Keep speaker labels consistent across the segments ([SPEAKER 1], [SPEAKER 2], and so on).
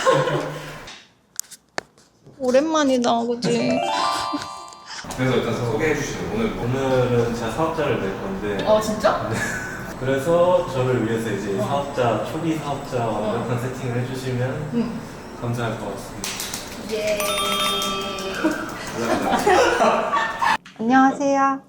[SPEAKER 1] 오랜만이다, 그치?
[SPEAKER 2] 그래서 일단 소개해 주시죠.
[SPEAKER 3] 오늘은 제가 사업자를 낼 건데
[SPEAKER 1] 진짜?
[SPEAKER 3] 그래서 저를 위해서 이제 사업자, 초기 사업자 완벽한 세팅을 해주시면 감사할 것 같습니다.
[SPEAKER 1] 예. 안녕하세요.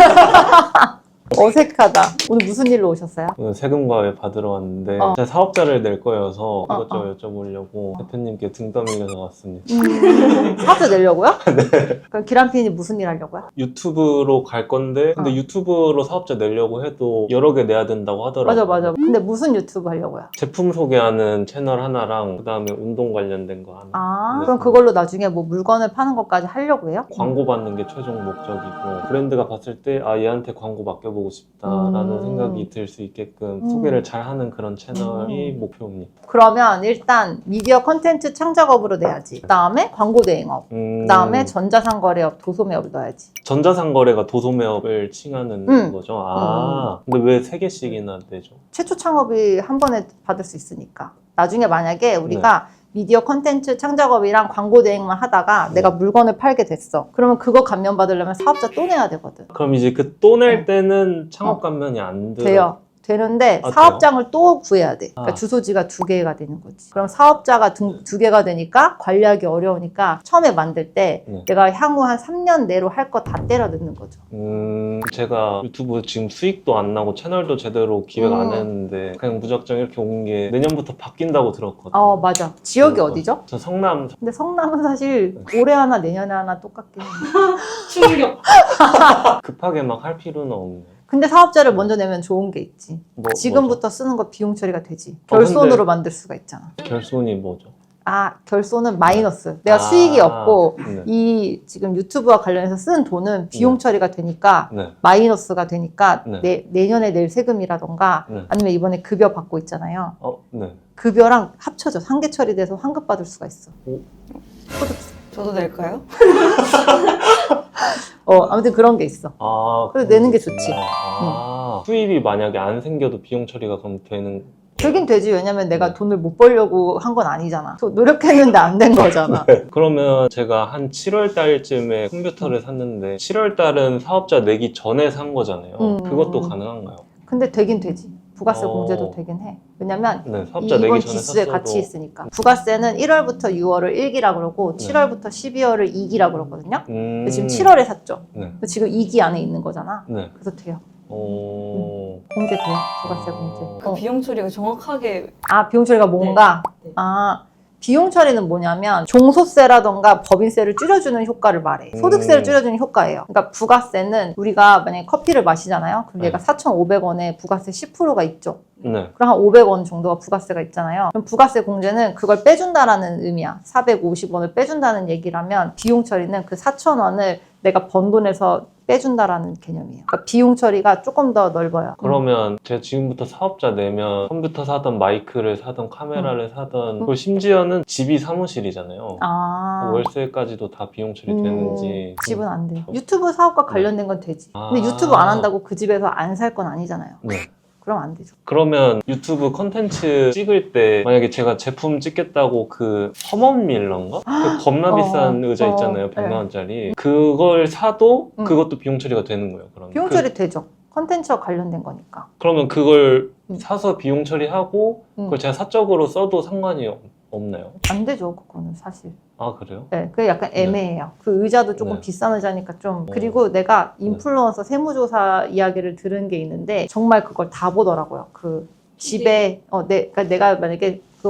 [SPEAKER 1] 어색하다. 오늘 무슨 일로 오셨어요?
[SPEAKER 3] 오늘 세금과외 받으러 왔는데 제가 사업자를 낼 거여서 이것저것 여쭤보려고 대표님께 등 떠밀려서 왔습니다.
[SPEAKER 1] 사업자 내려고요? 네. 그럼 기란핀이 무슨 일 하려고요?
[SPEAKER 3] 유튜브로 갈 건데 근데 유튜브로 사업자 내려고 해도 여러 개 내야 된다고 하더라고요.
[SPEAKER 1] 맞아. 근데 무슨 유튜브 하려고요?
[SPEAKER 3] 제품 소개하는 채널 하나랑 그 다음에 운동 관련된 거 하나. 네.
[SPEAKER 1] 그럼 그걸로 나중에 뭐 물건을 파는 것까지 하려고 해요?
[SPEAKER 3] 광고 받는 게 최종 목적이고 브랜드가 봤을 때 얘한테 광고 맡겨보고 싶다라는 생각이 들 수 있게끔 소개를 잘하는 그런 채널이 목표입니다.
[SPEAKER 1] 그러면 일단 미디어 컨텐츠 창작업으로 내야지. 그 다음에 광고 대행업. 그 다음에 전자상거래업, 도소매업을 넣어야지.
[SPEAKER 3] 전자상거래가 도소매업을 칭하는 거죠? 근데 왜 3개씩이나 내죠?
[SPEAKER 1] 최초 창업이 한 번에 받을 수 있으니까. 나중에 만약에 우리가 미디어 컨텐츠 창작업이랑 광고 대행만 하다가 내가 물건을 팔게 됐어. 그러면 그거 감면 받으려면 사업자 또 내야 되거든.
[SPEAKER 3] 그럼 이제 그 또 낼 때는 창업 감면이 안 돼요?
[SPEAKER 1] 되는데 사업장을 또 구해야 돼. 그러니까 주소지가 2개가 되는 거지. 그럼 사업자가 2개가 되니까 관리하기 어려우니까 처음에 만들 때 내가 향후 한 3년 내로 할 거 다 때려 넣는 거죠.
[SPEAKER 3] 제가 유튜브 지금 수익도 안 나고 채널도 제대로 기획 안 했는데 그냥 무작정 이렇게 온 게 내년부터 바뀐다고 들었거든요.
[SPEAKER 1] 맞아. 지역이 어디죠?
[SPEAKER 3] 저 성남.
[SPEAKER 1] 근데 성남은 사실 올해 하나 내년에 하나 똑같긴 해.
[SPEAKER 4] 충격.
[SPEAKER 3] 급하게 막 할 필요는 없네.
[SPEAKER 1] 근데 사업자를 먼저 내면 좋은 게 있지. 지금부터
[SPEAKER 3] 뭐죠?
[SPEAKER 1] 쓰는 거 비용 처리가 되지. 결손으로 만들 수가 있잖아.
[SPEAKER 3] 결손이 뭐죠?
[SPEAKER 1] 결손은 마이너스. 내가 수익이 없고
[SPEAKER 3] 네.
[SPEAKER 1] 이 지금 유튜브와 관련해서 쓴 돈은 비용 처리가 되니까 마이너스가 되니까 내년에 낼 세금이라던가 아니면 이번에 급여 받고 있잖아요. 급여랑 합쳐져. 상계 처리돼서 환급 받을 수가 있어.
[SPEAKER 4] 저도 낼까요?
[SPEAKER 1] 아무튼 그런 게 있어. 그래서 내는 게 좋지.
[SPEAKER 3] 수입이 만약에 안 생겨도 비용 처리가 그럼 되는?
[SPEAKER 1] 되긴 되지. 왜냐면 내가 돈을 못 벌려고 한 건 아니잖아. 노력했는데 안 된 거잖아.
[SPEAKER 3] 그러면 제가 한 7월 달쯤에 컴퓨터를 샀는데 7월 달은 사업자 내기 전에 산 거잖아요. 그것도 가능한가요?
[SPEAKER 1] 근데 되긴 되지. 부가세 공제도 되긴 해. 왜냐면
[SPEAKER 3] 사업자
[SPEAKER 1] 이번
[SPEAKER 3] 내기 전에
[SPEAKER 1] 지수에
[SPEAKER 3] 샀어도... 같이
[SPEAKER 1] 있으니까. 부가세는 1월부터 6월을 1기라 그러고 7월부터 12월을 2기라 그러거든요. 근데 지금 7월에 샀죠. 지금 2기 안에 있는 거잖아. 그래서 돼요. 공제 돼요. 부가세 공제.
[SPEAKER 4] 그 비용 처리가 정확하게.
[SPEAKER 1] 비용 처리가 뭔가?
[SPEAKER 4] 네.
[SPEAKER 1] 비용 처리는 뭐냐면 종소세라던가 법인세를 줄여주는 효과를 말해. 소득세를 줄여주는 효과예요. 그러니까 부가세는 우리가 만약에 커피를 마시잖아요. 그럼 얘가 4,500원에 부가세 10%가 있죠. 그럼 한 500원 정도가 부가세가 있잖아요. 그럼 부가세 공제는 그걸 빼준다라는 의미야. 450원을 빼준다는 얘기라면 비용 처리는 그 4,000원을 내가 번 돈에서 빼준다라는 개념이에요. 그러니까 비용 처리가 조금 더 넓어요.
[SPEAKER 3] 그러면 제가 지금부터 사업자 내면 컴퓨터 사든 마이크를 사든 카메라를 사든 그리고 심지어는 집이 사무실이잖아요. 월세까지도 다 비용 처리되는지.
[SPEAKER 1] 집은 안 돼요. 유튜브 사업과 관련된 건 되지. 근데 유튜브 안 한다고 그 집에서 안 살 건 아니잖아요. 그럼 안 되죠.
[SPEAKER 3] 그러면 유튜브 컨텐츠 찍을 때 만약에 제가 제품 찍겠다고 그 허먼밀러인가? 그 겁나 비싼 의자 있잖아요. 100만 원짜리. 그걸 사도 그것도 비용 처리가 되는 거예요. 그러면
[SPEAKER 1] 비용 처리 되죠. 컨텐츠와 관련된 거니까.
[SPEAKER 3] 그러면 그걸 사서 비용 처리하고 그걸 제가 사적으로 써도 상관이 없나요?
[SPEAKER 1] 안 되죠. 그거는 사실.
[SPEAKER 3] 그래요?
[SPEAKER 1] 네, 그게 약간 애매해요. 그 의자도 조금 비싼 의자니까 좀. 그리고 내가 인플루언서 세무조사 이야기를 들은 게 있는데 정말 그걸 다 보더라고요. 그 집에 그러니까 내가 만약에 그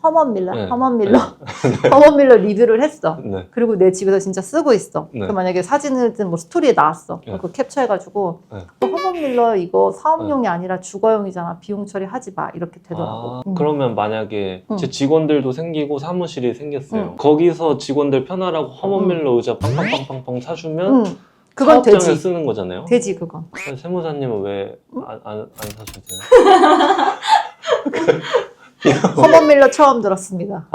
[SPEAKER 1] 허먼밀러 리뷰를 했어. 그리고 내 집에서 진짜 쓰고 있어. 그 만약에 사진이든 뭐 스토리에 나왔어. 그거 캡처해가지고 허먼밀러 이거 사업용이 아니라 주거용이잖아. 비용 처리하지 마. 이렇게 되더라고.
[SPEAKER 3] 그러면 만약에 제 직원들도 생기고 사무실이 생겼어요. 거기서 직원들 편하라고 허먼밀러 의자 빵빵빵빵 사주면
[SPEAKER 1] 그건
[SPEAKER 3] 사업장에
[SPEAKER 1] 되지.
[SPEAKER 3] 쓰는 거잖아요?
[SPEAKER 1] 되지 그건.
[SPEAKER 3] 세무사님은 왜 안 사셔도 돼요?
[SPEAKER 1] 허먼밀러 처음 들었습니다.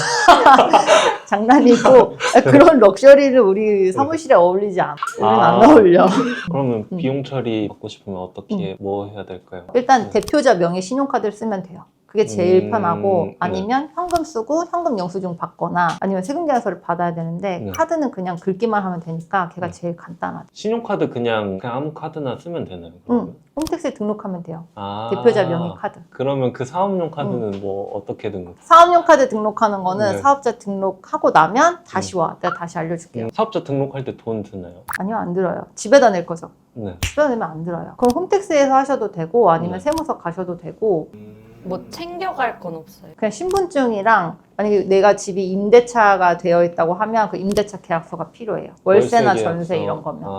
[SPEAKER 1] 장난이고 그런 럭셔리를 우리 사무실에 어울리지 않아. 우리는 안 어울려.
[SPEAKER 3] 그러면 비용 처리 받고 싶으면 어떻게 뭐 해야 될까요?
[SPEAKER 1] 일단 대표자 명의 신용카드를 쓰면 돼요. 그게 제일
[SPEAKER 3] 음,
[SPEAKER 1] 편하고
[SPEAKER 3] 네.
[SPEAKER 1] 아니면 현금 쓰고 현금 영수증 받거나 아니면 세금계산서를 받아야 되는데
[SPEAKER 3] 네.
[SPEAKER 1] 카드는 그냥 긁기만 하면 되니까 걔가
[SPEAKER 3] 네.
[SPEAKER 1] 제일 간단하죠.
[SPEAKER 3] 신용카드 그냥 아무 카드나 쓰면 되나요? 그러면?
[SPEAKER 1] 홈택스에 등록하면 돼요.
[SPEAKER 3] 아,
[SPEAKER 1] 대표자 명의 카드.
[SPEAKER 3] 그러면 그 사업용 카드는 뭐 어떻게 등록?
[SPEAKER 1] 사업용 카드 등록하는 거는
[SPEAKER 3] 네.
[SPEAKER 1] 사업자 등록하고 나면 다시 와. 내가 다시 알려줄게요.
[SPEAKER 3] 사업자 등록할 때 돈 드나요?
[SPEAKER 1] 아니요, 안 들어요. 집에다 낼 거죠.
[SPEAKER 3] 네.
[SPEAKER 1] 집에다 내면 안 들어요. 그럼 홈택스에서 하셔도 되고 아니면
[SPEAKER 3] 네.
[SPEAKER 1] 세무서 가셔도 되고
[SPEAKER 4] 뭐 챙겨갈 건 없어요.
[SPEAKER 1] 그냥 신분증이랑 만약에 내가 집이 임대차가 되어 있다고 하면 그 임대차 계약서가 필요해요. 월세나
[SPEAKER 3] 월세
[SPEAKER 1] 전세
[SPEAKER 3] 계약서.
[SPEAKER 1] 이런 거면.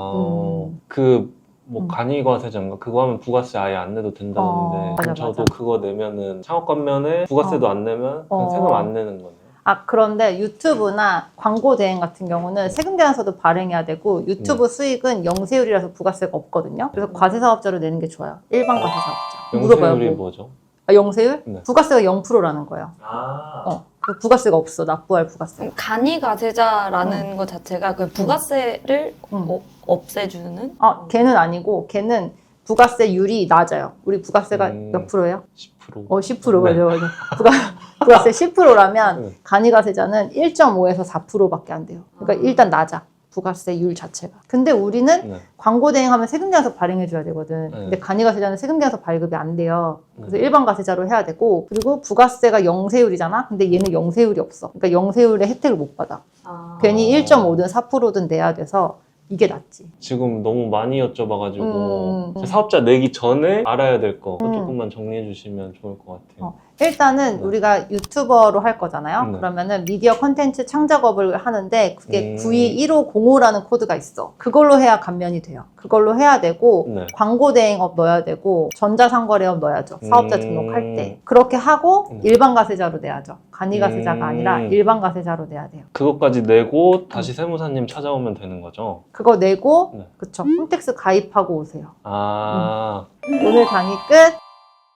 [SPEAKER 3] 뭐 간이과세자인가 그거 하면 부가세 아예 안 내도 된다는데
[SPEAKER 1] 맞아,
[SPEAKER 3] 저도
[SPEAKER 1] 맞아.
[SPEAKER 3] 그거 내면은 창업관면에 부가세도 안 내면 그냥 세금 안 내는 거네요.
[SPEAKER 1] 아, 그런데 유튜브나 광고 대행 같은 경우는 세금계산서도 발행해야 되고 유튜브 수익은 영세율이라서 부가세가 없거든요. 그래서 과세사업자로 내는 게 좋아요. 일반 과세사업자. 물어봐요.
[SPEAKER 3] 영세율이
[SPEAKER 1] 뭐.
[SPEAKER 3] 뭐죠?
[SPEAKER 1] 아, 영세율?
[SPEAKER 3] 네.
[SPEAKER 1] 부가세가 0%라는 거예요. 그 부가세가 없어. 납부할 부가세.
[SPEAKER 4] 간이가세자라는 것 자체가 그 부가세를 없애주는?
[SPEAKER 1] 아, 걔는 아니고 걔는 부가세율이 낮아요. 우리 부가세가 몇 프로예요?
[SPEAKER 3] 10%.
[SPEAKER 1] 10%
[SPEAKER 3] 네.
[SPEAKER 1] 맞아. 부가세 10%라면
[SPEAKER 3] 네.
[SPEAKER 1] 간이가세자는 1.5에서 4%밖에 안 돼요. 그러니까 일단 낮아. 부가세율 자체가. 근데 우리는
[SPEAKER 3] 네.
[SPEAKER 1] 광고 대행하면 세금계산서 발행해줘야 되거든.
[SPEAKER 3] 네.
[SPEAKER 1] 근데 간이가세자는 세금계산서 발급이 안 돼요. 그래서
[SPEAKER 3] 네.
[SPEAKER 1] 일반 가세자로 해야 되고 그리고 부가세가 영세율이잖아. 근데 얘는 영세율이 없어. 그러니까 영세율의 혜택을 못 받아. 괜히 1.5든 4%든 내야 돼서 이게 낫지.
[SPEAKER 3] 지금 너무 많이 여쭤봐가지고 사업자 내기 전에 알아야 될 거 조금만 정리해 주시면 좋을 것 같아요.
[SPEAKER 1] 일단은
[SPEAKER 3] 네.
[SPEAKER 1] 우리가 유튜버로 할 거잖아요.
[SPEAKER 3] 네.
[SPEAKER 1] 그러면은 미디어 컨텐츠 창작업을 하는데 그게
[SPEAKER 3] 음.
[SPEAKER 1] 921505라는 코드가 있어. 그걸로 해야 감면이 돼요. 그걸로 해야 되고
[SPEAKER 3] 네.
[SPEAKER 1] 광고 대행업 넣어야 되고 전자상거래업 넣어야죠. 사업자 등록할 때. 그렇게 하고
[SPEAKER 3] 네.
[SPEAKER 1] 일반 가세자로 내야죠. 간이가세자가 아니라 일반 가세자로 내야 돼요.
[SPEAKER 3] 그것까지 내고 다시 세무사님 찾아오면 되는 거죠?
[SPEAKER 1] 그거 내고
[SPEAKER 3] 네.
[SPEAKER 1] 그쵸. 홈택스 가입하고 오세요.
[SPEAKER 3] 아,
[SPEAKER 1] 오늘 강의 끝.